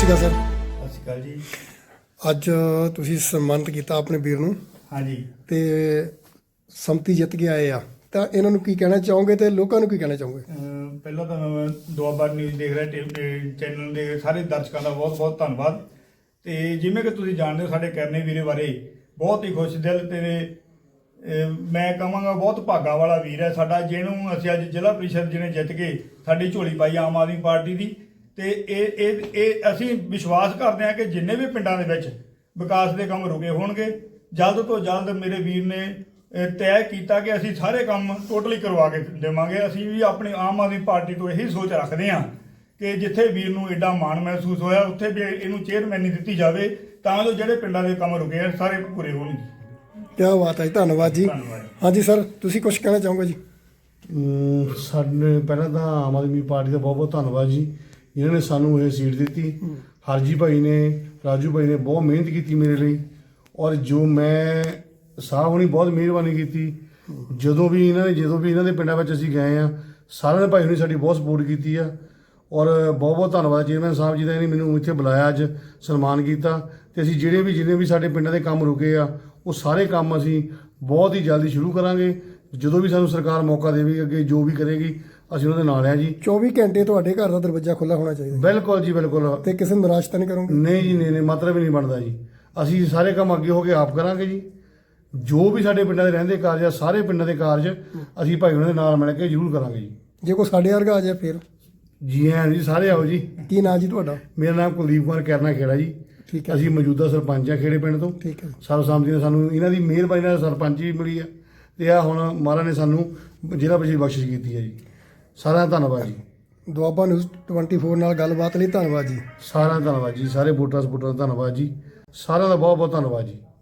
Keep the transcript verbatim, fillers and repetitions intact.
ਸ਼੍ਰੀ ਅਕਾਲ sir. ਸਤਿ ਸ਼੍ਰੀ ਅਕਾਲ ਜੀ। ਅੱਜ ਤੁਸੀਂ ਸਨਮਾਨਿਤ ਕੀਤਾ ਆਪਣੇ ਵੀਰ ਨੂੰ ਹਾਂਜੀ, ਤੇ ਸੰਮਤੀ ਜਿੱਤ ਕੇ ਆਏ ਆ, ਤਾਂ ਇਹਨਾਂ ਨੂੰ ਕੀ ਕਹਿਣਾ ਚਾਹੋਗੇ ਤੇ ਲੋਕਾਂ ਨੂੰ ਕੀ ਕਹਿਣਾ ਚਾਹੋਗੇ? ਅਹ ਪਹਿਲਾਂ ਤਾਂ ਮੈਂ ਦੁਆਬਾ ਨਿਊਜ਼ ਦੇਖ ਰਿਹਾ ਟੇ- ਚੈਨਲ ਦੇ ਸਾਰੇ ਦਰਸ਼ਕਾਂ ਦਾ ਬਹੁਤ ਬਹੁਤ ਧੰਨਵਾਦ। ਤੇ ਜਿਵੇਂ ਕਿ ਤੁਸੀਂ ਜਾਣਦੇ ਹੋ, ਸਾਡੇ ਕਰਨੇ ਵੀਰੇ ਬਾਰੇ ਬਹੁਤ ਹੀ ਖੁਸ਼ ਦਿਲ ਤੇ ਅਹ ਮੈਂ ਕਹਾਂਗਾ ਬਹੁਤ ਭਾਗਾ ਵਾਲਾ ਵੀਰ ਹੈ ਸਾਡਾ, ਜਿਹਨੂੰ ਅਸੀਂ ਅੱਜ ਜ਼ਿਲ੍ਹਾ ਪ੍ਰੀਸ਼ਦ ਜਿਹਨੇ ਜਿੱਤ ਕੇ ਸਾਡੀ ਝੋਲੀ ਪਾਈ ਆਮ ਆਦਮੀ ਪਾਰਟੀ ਦੀ। ਤੇ ਇਹ ਇਹ ਇਹ ਅਸੀਂ ਵਿਸ਼ਵਾਸ ਕਰਦੇ ਹਾਂ ਕਿ ਜਿੰਨੇ ਵੀ ਪਿੰਡਾਂ ਦੇ ਵਿੱਚ ਵਿਕਾਸ ਦੇ ਕੰਮ ਰੁਕੇ ਹੋਣਗੇ, ਜਲਦ ਤੋਂ ਜਲਦ ਮੇਰੇ ਵੀਰ ਨੇ ਅਹ ਤੈਅ ਕੀਤਾ ਕਿ ਅਸੀਂ ਸਾਰੇ ਕੰਮ ਟੋਟਲੀ ਕਰਵਾ ਕੇ ਦੇਵਾਂਗੇ। ਅਸੀਂ ਵੀ ਆਪਣੀ ਆਮ ਆਦਮੀ ਪਾਰਟੀ ਤੋਂ ਇਹੀ ਸੋਚ ਰੱਖਦੇ ਹਾਂ ਕਿ ਜਿੱਥੇ ਵੀਰ ਨੂੰ ਐਡਾ ਮਾਣ ਮਹਿਸੂਸ ਹੋਇਆ, ਉੱਥੇ ਵੀ ਇਹਨੂੰ ਚੇਅਰਮੈਨੀ ਦਿੱਤੀ ਜਾਵੇ ਤਾਂ ਜੋ ਜਿਹੜੇ ਪਿੰਡਾਂ ਦੇ ਕੰਮ ਰੁਕੇ ਆ ਸਾਰੇ ਪੂਰੇ ਹੋਣਗੇ। ਕੀ ਬਾਤ ਹੈ ਜੀ, ਧੰਨਵਾਦ ਜੀ। ਧੰਨਵਾਦ। ਹਾਂਜੀ ਸਰ, ਤੁਸੀਂ ਕੁਝ ਕਹਿਣਾ ਚਾਹੋਗੇ ਜੀ? ਅਮ ਸਾਡੇ ਪਹਿਲਾਂ ਤਾਂ ਆਮ ਆਦਮੀ ਪਾਰਟੀ ਦਾ ਬਹੁਤ ਬਹੁਤ ਧੰਨਵਾਦ ਜੀ, ਜਿਨ੍ਹਾਂ ਨੇ ਸਾਨੂੰ ਇਹ ਸੀਟ ਦਿੱਤੀ। ਹਰਜੀ ਭਾਈ ਨੇ, ਰਾਜੂ ਭਾਈ ਨੇ ਬਹੁਤ ਮਿਹਨਤ ਕੀਤੀ ਮੇਰੇ ਲਈ, ਔਰ ਜੋ ਮੈਂ ਸਾਹ ਹੋਣੀ ਬਹੁਤ ਮਿਹਰਬਾਨੀ ਕੀਤੀ। ਜਦੋਂ ਵੀ ਇਹਨਾਂ ਨੇ ਜਦੋਂ ਵੀ ਇਹਨਾਂ ਦੇ ਪਿੰਡਾਂ ਵਿੱਚ ਅਸੀਂ ਗਏ ਆ, ਸਾਰਿਆਂ ਨੇ ਭਾਈ ਨੇ ਸਾਡੀ ਬਹੁਤ ਸਪੋਰਟ ਕੀਤੀ ਆ। ਔਰ ਬਹੁਤ ਬਹੁਤ ਧੰਨਵਾਦ ਚੇਅਰਮੈਨ ਸਾਹਿਬ ਜੀ ਦਾ, ਇਹਨੇ ਮੈਨੂੰ ਇੱਥੇ ਬੁਲਾਇਆ, ਅੱਜ ਸਨਮਾਨ ਕੀਤਾ। ਤੇ ਅਸੀਂ ਜਿਹੜੇ ਵੀ ਜਿੰਨੇ ਵੀ ਸਾਡੇ ਪਿੰਡਾਂ ਦੇ ਕੰਮ ਰੁਕੇ ਆ, ਉਹ ਸਾਰੇ ਕੰਮ ਅਸੀਂ ਬਹੁਤ ਹੀ ਜਲਦੀ ਸ਼ੁਰੂ ਕਰਾਂਗੇ। ਜਦੋਂ ਵੀ ਸਾਨੂੰ ਸਰਕਾਰ ਮੌਕਾ ਦੇਵੇਗੀ, ਅੱਗੇ ਜੋ ਵੀ ਕਰੇਗੀ ਅਸੀਂ ਉਹਨਾਂ ਦੇ ਨਾਲ ਆ ਜੀ। ਚੌਵੀ ਘੰਟੇ ਤੁਹਾਡੇ ਘਰ ਦਾ ਦਰਵਾਜ਼ਾ ਖੁੱਲ੍ਹਾ ਹੋਣਾ ਚਾਹੀਦਾ ਬਿਲਕੁਲ ਜੀ, ਬਿਲਕੁਲ। ਤੇ ਕਿਸੇ ਨੂੰ ਨਿਰਾਸ਼ ਤਾਂ ਨਹੀਂ ਕਰੋਗੇ? ਨਹੀਂ ਜੀ, ਨਹੀਂ ਨਹੀਂ, ਮਤਲਬ ਹੀ ਨਹੀਂ ਬਣਦਾ ਜੀ। ਅਸੀਂ ਸਾਰੇ ਕੰਮ ਅੱਗੇ ਹੋ ਕੇ ਆਪ ਕਰਾਂਗੇ ਜੀ। ਜੋ ਵੀ ਸਾਡੇ ਪਿੰਡਾਂ ਦੇ ਰਹਿੰਦੇ ਕਾਰਜ ਆ, ਸਾਰੇ ਪਿੰਡਾਂ ਦੇ ਕਾਰਜ ਅਸੀਂ ਭਾਈ ਉਹਨਾਂ ਦੇ ਨਾਲ ਮਿਲ ਕੇ ਜ਼ਰੂਰ ਕਰਾਂਗੇ ਜੀ। ਜੇ ਕੋਈ ਸਾਡੇ ਵਰਗਾ ਆ ਜਾਏ ਫਿਰ? ਜੀ ਹਾਂ ਜੀ, ਸਾਰੇ ਆਓ ਜੀ। ਕੀ ਨਾਂ ਜੀ ਤੁਹਾਡਾ? ਮੇਰਾ ਨਾਮ ਕੁਲਦੀਪ ਕੁਮਾਰ ਕਰਨਾ ਖੇੜਾ ਜੀ। ਠੀਕ ਹੈ, ਅਸੀਂ ਮੌਜੂਦਾ ਸਰਪੰਚ ਆ ਖੇੜੇ ਪਿੰਡ ਤੋਂ। ਠੀਕ ਹੈ। ਸਰਬਸੰਮਤੀ ਨਾਲ ਸਾਨੂੰ ਇਹਨਾਂ ਦੀ ਮਿਹਰਬਾਨੀ ਨਾਲ ਸਰਪੰਚ ਵੀ ਮਿਲੀ ਆ, ਤੇ ਆ ਹੁਣ ਮਹਾਰਾਜ ਨੇ ਸਾਨੂੰ ਜ਼ਿਲ੍ਹਾ ਪ੍ਰੀਸ਼ਦ ਬਖਸ਼ਿਸ਼ ਕੀਤੀ ਹੈ ਜੀ। ਸਾਰਿਆਂ ਦਾ ਧੰਨਵਾਦ ਜੀ। ਦੁਆਬਾ ਨਿਊਜ਼ ਚੌਵੀ ਨਾਲ ਗੱਲਬਾਤ ਲਈ ਧੰਨਵਾਦ ਜੀ। ਸਾਰਿਆਂ ਦਾ ਧੰਨਵਾਦ ਜੀ। ਸਾਰੇ ਵੋਟਰਾਂ ਸਪੋਰਟਰਾਂ ਦਾ ਧੰਨਵਾਦ ਜੀ। ਸਾਰਿਆਂ ਦਾ ਬਹੁਤ ਬਹੁਤ ਧੰਨਵਾਦ ਜੀ।